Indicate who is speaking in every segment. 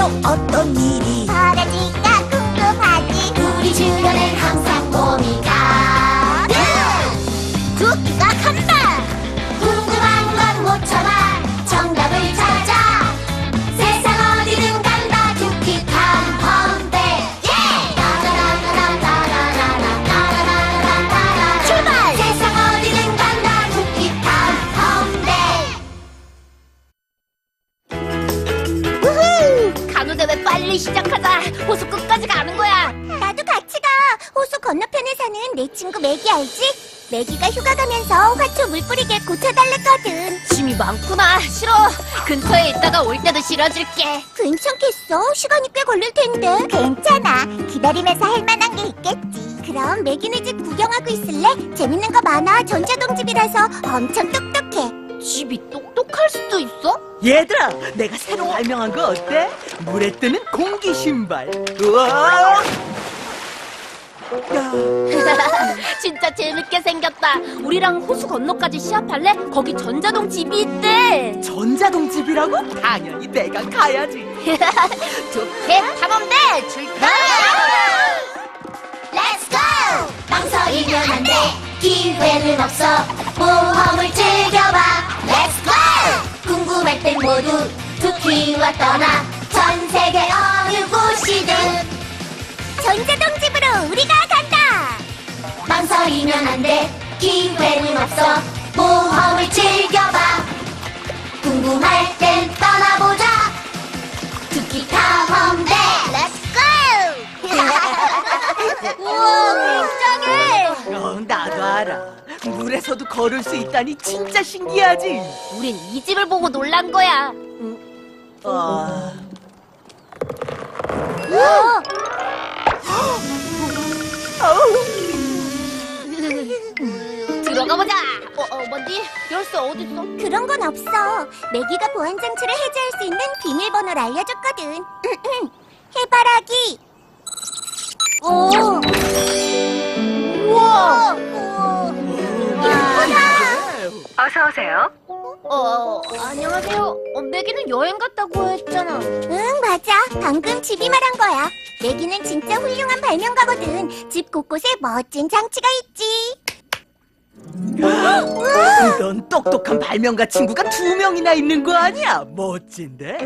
Speaker 1: 어떤 일이
Speaker 2: 벌어질까 궁금하지. 우리 주변엔 항상 봄이 가득. 두끼가 간다. 궁금한 건 못 참아 정답을 찾아. 세상 어디든 간다 두끼 탐험대. 출발! 세상 어디든 간다 두끼 탐험대. 우후! 간호대회 빨리 시작하자. 호수 끝까지 가는 거야. 나도 같이 가. 호수 건너편에 사는 내 친구 매기 알지? 매기가 휴가 가면서 화초 물 뿌리게 고쳐달랬거든.
Speaker 3: 짐이 많구나. 싫어. 근처에 있다가 올 때도 실어줄게.
Speaker 2: 괜찮겠어? 시간이 꽤 걸릴 텐데. 괜찮아. 기다리면서 할 만한 게 있겠지. 그럼 매기네 집 구경하고 있을래? 재밌는 거 많아. 전자동 집이라서 엄청 똑똑해.
Speaker 3: 집이 똑똑할 수도 있어?
Speaker 1: 얘들아, 내가 새로 발명한 거 어때? 물에 뜨는 공기 신발. 우와! 야,
Speaker 3: 진짜 재밌게 생겼다. 우리랑 호수 건너까지 시합할래? 거기 전자동 집이 있대.
Speaker 1: 전자동 집이라고? 당연히 내가 가야지.
Speaker 3: 좋게 탐험대 출발!
Speaker 2: Let's go! 망설이면 안 돼. 기회는 없어. 모험을 즐겨봐. Let's go! 궁금할 땐 모두 두키와 떠나. 전 세계 어느 곳이든 전자동 집으로 우리가 간다. 망설이면 안 돼. 기회는 없어. 모험을 즐겨봐. 궁금할 땐 떠나보자. 두키 탐험대. Let's go! 우와, 굉장해.
Speaker 1: 나도 알아. 물에서도 걸을 수 있다니 진짜 신기하지.
Speaker 3: 우린 이 집을 보고 놀란 거야.
Speaker 1: 아,
Speaker 2: 우와.
Speaker 3: 들어가 보자. 뭐지? 열쇠 어딨어?
Speaker 2: 그런 건 없어. 매기가 보안 장치를 해제할 수 있는 비밀번호를 알려줬거든. 해바라기. 오. 우와. 예쁘다.
Speaker 4: 어서 오세요.
Speaker 3: 안녕하세요. 매기는 여행 갔다고 했잖아.
Speaker 2: 응, 맞아. 방금 집이 말한 거야. 매기는 진짜 훌륭한 발명가거든. 집 곳곳에 멋진 장치가 있지.
Speaker 1: 넌 똑똑한 발명가 친구가 2명이나 있는 거 아니야? 멋진데?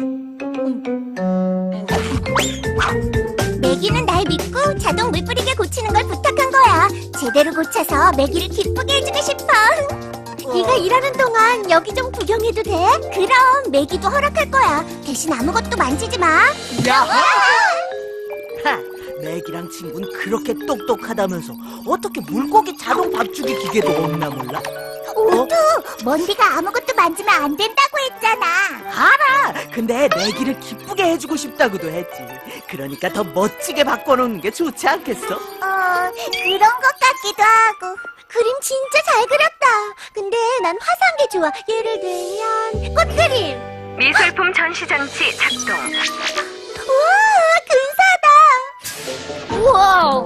Speaker 2: 매기는 날 믿고 자동 물 뿌리게 고치는 걸 부탁한 거야. 제대로 고쳐서 매기를 기쁘게 해주고 싶어. 네가 일하는 동안 여기 좀 구경해도 돼? 그럼 매기도 허락할 거야. 대신 아무것도 만지지 마.
Speaker 1: 야! 하, 맥이랑 친구는 그렇게 똑똑하다면서 어떻게 물고기 자동 밥주기 기계도 없나 몰라?
Speaker 2: 오투, 먼디가 아무것도 만지면 안 된다고 했잖아.
Speaker 1: 알아! 근데 맥이를 기쁘게 해주고 싶다고도 했지. 그러니까 더 멋지게 바꿔놓는 게 좋지 않겠어?
Speaker 2: 그런 것 같기도 하고. 그림 진짜 잘 그렸다. 근데 난 화사한 게 좋아. 예를 들면 꽃그림.
Speaker 4: 미술품 전시장치 작동.
Speaker 2: 우와, 근사하다.
Speaker 3: 우와.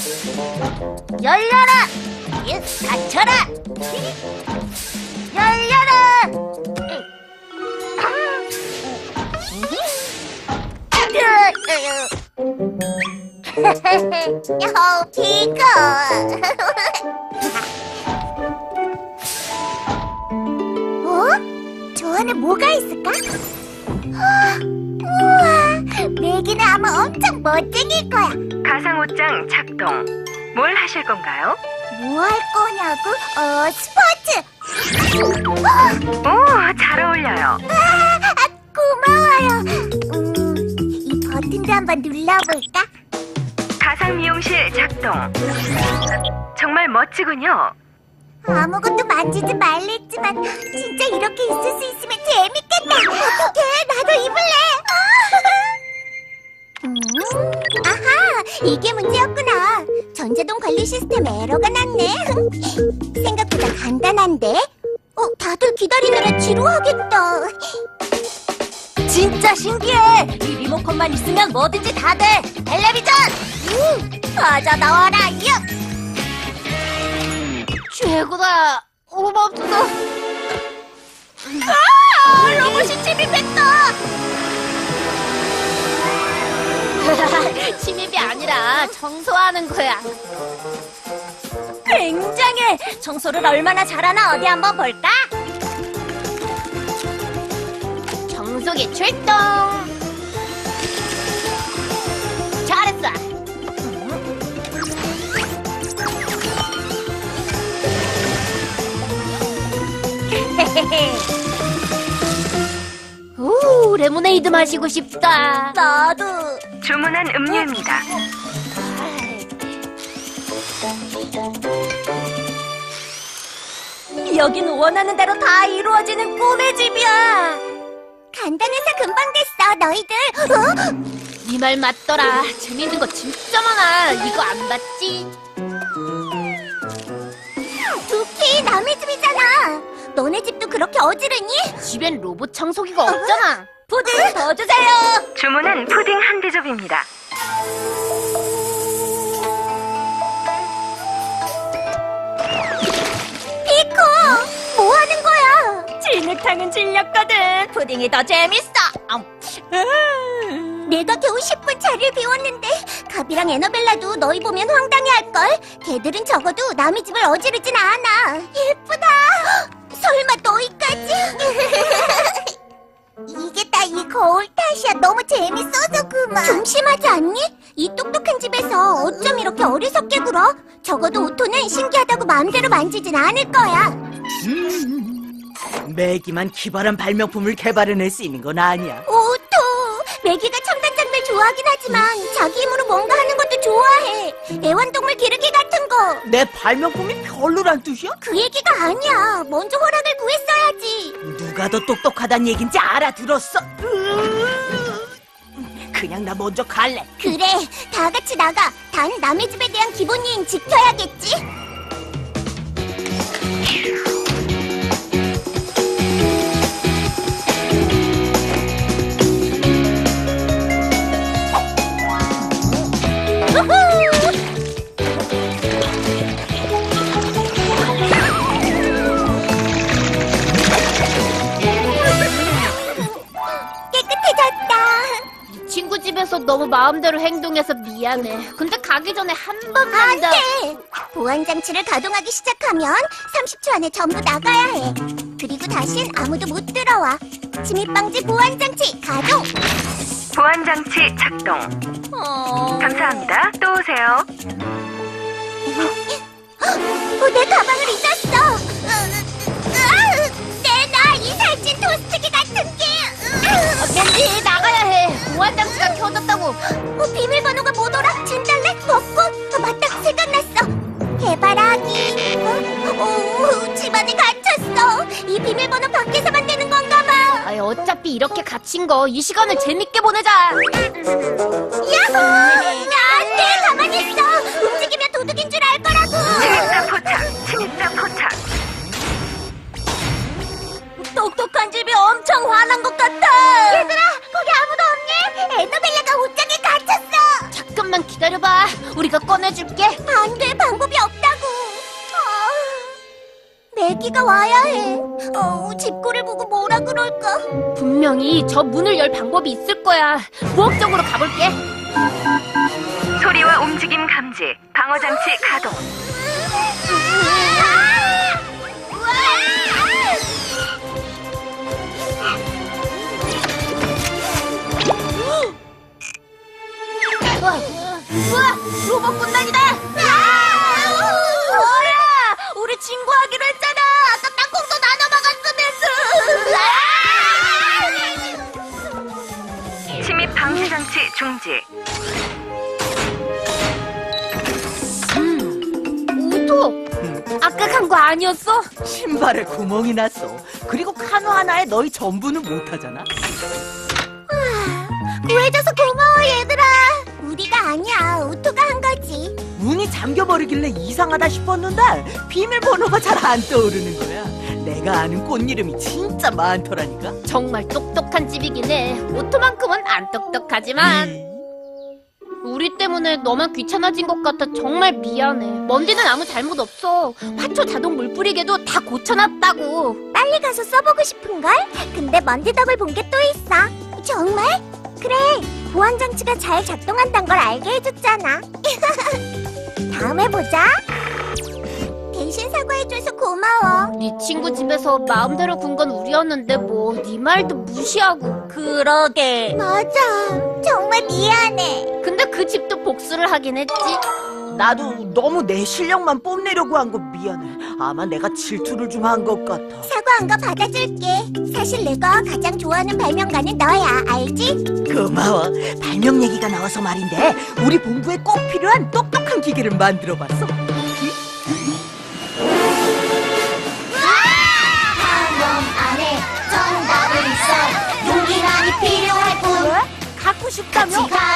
Speaker 2: 열려라. 닫혀라. 열려라. 피고. 저 안에 뭐가 있을까? 우와, 매기는 아마 엄청 멋쟁일 거야.
Speaker 4: 가상옷장 작동. 뭘 하실 건가요?
Speaker 2: 뭐 할 거냐고? 스포츠!
Speaker 4: 오, 잘 어울려요.
Speaker 2: 고마워요. 이 버튼도 한번 눌러볼까?
Speaker 4: 가상 미용실 작동. 정말 멋지군요.
Speaker 2: 아무것도 만지지 말랬지만 진짜 이렇게 있을 수 있으면 재밌겠다. 어떡해, 나도 입을래. 아하, 이게 문제였구나. 전자동 관리 시스템에 에러가 났네. 생각보다 간단한데? 다들 기다리느라 지루하겠다.
Speaker 3: 진짜 신기해. 이 리모컨만 있으면 뭐든지 다 돼. 텔레비전.
Speaker 2: 맞아, 나와라, 유!
Speaker 3: 최고다. 고맙소.
Speaker 2: 로봇이 침입했다.
Speaker 3: 아니라 청소하는 거야.
Speaker 2: 굉장해. 청소를 얼마나 잘하나 어디 한번 볼까?
Speaker 3: 청소기 출동. 잘했어. 오, 레모네이드 마시고 싶다.
Speaker 2: 나도.
Speaker 4: 주문한 음료입니다.
Speaker 2: 여긴 원하는 대로 다 이루어지는 꿈의 집이야. 간단해서 금방 됐어, 너희들.
Speaker 3: 네 말 맞더라. 재밌는 거 진짜 많아. 이거 안 봤지?
Speaker 2: 두피, 남의 집이잖아. 너네 집도 그렇게 어지르니?
Speaker 3: 집엔 로봇 청소기가 없잖아.
Speaker 2: 푸딩 더 주세요.
Speaker 4: 주문한 푸딩 한 대접입니다.
Speaker 2: 피코, 뭐 하는 거야? 진흙탕은 질렸거든. 푸딩이 더 재밌어. 내가 겨우 10분 자리를 비웠는데 가비랑 에너벨라도 너희 보면 황당해할걸. 걔들은 적어도 남의 집을 어지르진 않아. 예쁘다. 설마 너희까지? 이게 다 이 거울 탓이야. 너무 재밌어서 그만. 좀 심하지 않니? 이 똑똑한 집에서 어쩜 이렇게 어리석게 굴어? 적어도 오토는 신기하다고 마음대로 만지진 않을 거야.
Speaker 1: 매기만 기발한 발명품을 개발해낼 수 있는 건 아니야.
Speaker 2: 오토! 매기가 첨단 장비를 좋아하긴 하지만 자기 힘으로 뭔가 하는 것도 좋아해. 애완동물 기르기 같은 거.
Speaker 1: 내 발명품이 별로란 뜻이야?
Speaker 2: 그 얘기가 아니야. 먼저 허락을 구했어야지.
Speaker 1: 누가 더 똑똑하단 얘긴지 알아들었어. 그냥 나 먼저 갈래.
Speaker 2: 그래, 다 같이 나가. 단 남의 집에 대한 기본 예의는 지켜야겠지. 깨끗해졌다.
Speaker 3: 이 친구 집에서 너무 마음대로 행동해서 미안해. 근데 가기 전에 한 번만
Speaker 2: 안
Speaker 3: 더.
Speaker 2: 돼! 보안 장치를 가동하기 시작하면 30초 안에 전부 나가야 해. 그리고 다신 아무도 못 들어와. 침입 방지 보안 장치 가동!
Speaker 4: 보안 장치 작동. 감사합니다. 또 오세요.
Speaker 2: 내 가방을 잊었어! 내놔, 이 살찐 토스트기 같은 게!
Speaker 3: 겐지 나가야 해. 보안 장치가 켜졌다고.
Speaker 2: 비밀번호가 뭐더라? 진달래? 벚꽃? 맞다, 생각났어! 해바라기! 집안에 갇혔어! 이 비밀번호 밖에서만 되는 건가 봐!
Speaker 3: 아이, 어차피 이렇게 갇힌 거 이 시간을 재밌게 보내자.
Speaker 2: 야호! 안 돼! 가만히 있어! 움직이면 도둑인 줄 알 거라고!
Speaker 4: 침입자 포착. 침입자 포착.
Speaker 2: 똑똑한 집이 엄청 화난 것 같아! 얘들아! 거기 아무도 없니? 에너벨라가 옷장에 갇혔어!
Speaker 3: 잠깐만 기다려봐. 우리가 꺼내줄게.
Speaker 2: 안 돼! 방법이 없다고! 매기가 와야 해. 집구를 보고 뭐라 그럴까?
Speaker 3: 분명히 저 문을 열 방법이 있을 거야. 부엌 쪽으로 가볼게.
Speaker 4: 소리와 움직임 감지. 방어 장치 가동.
Speaker 3: 우와! 로봇 군단이다!
Speaker 2: 뭐야! 우리 친구하기로 했잖아! 아까 땅콩도 나눠 먹었으면서!
Speaker 4: 침입 방지 장치 중지.
Speaker 3: 오토! 아까 간 거 아니었어?
Speaker 1: 신발에 구멍이 났어. 그리고 카누 하나에 너희 전부는 못하잖아.
Speaker 2: 구해줘서 고마워, 얘들아! 우리가 아니야. 오토가 한 거지.
Speaker 1: 문이 잠겨버리길래 이상하다 싶었는데 비밀번호가 잘 안 떠오르는 거야. 내가 아는 꽃 이름이 진짜 많더라니까.
Speaker 3: 정말 똑똑한 집이긴 해. 오토만큼은 안 똑똑하지만. 우리 때문에 너만 귀찮아진 것 같아 정말 미안해. 먼디는 아무 잘못 없어. 화초 자동 물 뿌리개도 다 고쳐놨다고.
Speaker 2: 빨리 가서 써보고 싶은걸? 근데 먼지 덕을 본 게 또 있어. 정말? 그래. 보안 장치가 잘 작동한다는 걸 알게 해줬잖아. 다음에 보자. 대신 사과해줘서 고마워.
Speaker 3: 네 친구 집에서 마음대로 군 건 우리였는데 뭐 네 말도 무시하고.
Speaker 1: 그러게.
Speaker 2: 맞아. 정말 미안해.
Speaker 3: 근데 그 집도 복수를 하긴 했지.
Speaker 1: 나도 너무 내 실력만 뽐내려고 한 거 미안해. 아마 내가 질투를 좀 한 것 같아.
Speaker 2: 사과한 거 받아줄게. 사실 내가 가장 좋아하는 발명가는 너야. 알지?
Speaker 1: 고마워. 발명 얘기가 나와서 말인데 우리 본부에 꼭 필요한 똑똑한 기계를 만들어봤어.
Speaker 2: 놈 안에 정답은 있어. 용기만이 필요할 뿐.
Speaker 1: 갖고 싶다며?
Speaker 2: 같이 가.